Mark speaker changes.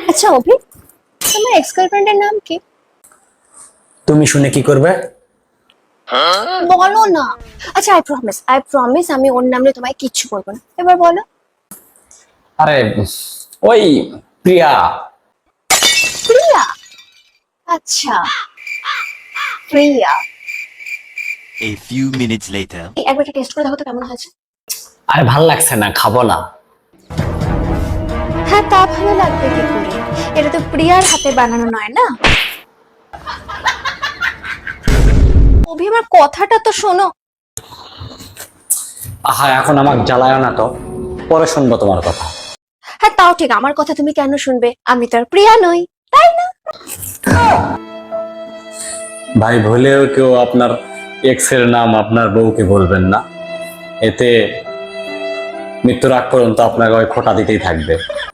Speaker 1: আচ্ছা অভি, তোমার এক্স গার্লফ্রেন্ডের নাম কি?
Speaker 2: তুমি শুনে কি করবে?
Speaker 1: বলো না। আচ্ছা, আই প্রমিস আমি ওর নামে তোমায় কিচ্ছু বলবো না, এবার বলো।
Speaker 2: আরে ওই প্রিয়া।
Speaker 1: প্রিয়া? আচ্ছা, Priya.
Speaker 3: A few minutes later.
Speaker 1: একবার টেস্ট করে দেখো তো কেমন হয়েছে।
Speaker 2: আরে ভাল লাগছে না, খাবো না।
Speaker 1: হ্যাঁ, তা ভালো লাগবে কি করে? এটা তো প্রিয়ার হাতে বানানো নয় না। অভি, আমার কথাটা তো শোনো।
Speaker 2: আহা, এখন আমাকে জ্বালায় না তো, পরে শুনবো তোমার কথা।
Speaker 1: হ্যাঁ, তাও ঠিক, আমার কথা তুমি কেন শুনবে? আমি তো আর প্রিয়া নই, তাই না?
Speaker 2: ভাই, ভুলেও কেউ আপনার এক্স এর নাম আপনার বউকে বলবেন না, এতে মৃত্যুর আগ পর্যন্ত আপনাকে ওই খোঁটা দিতেই থাকবে।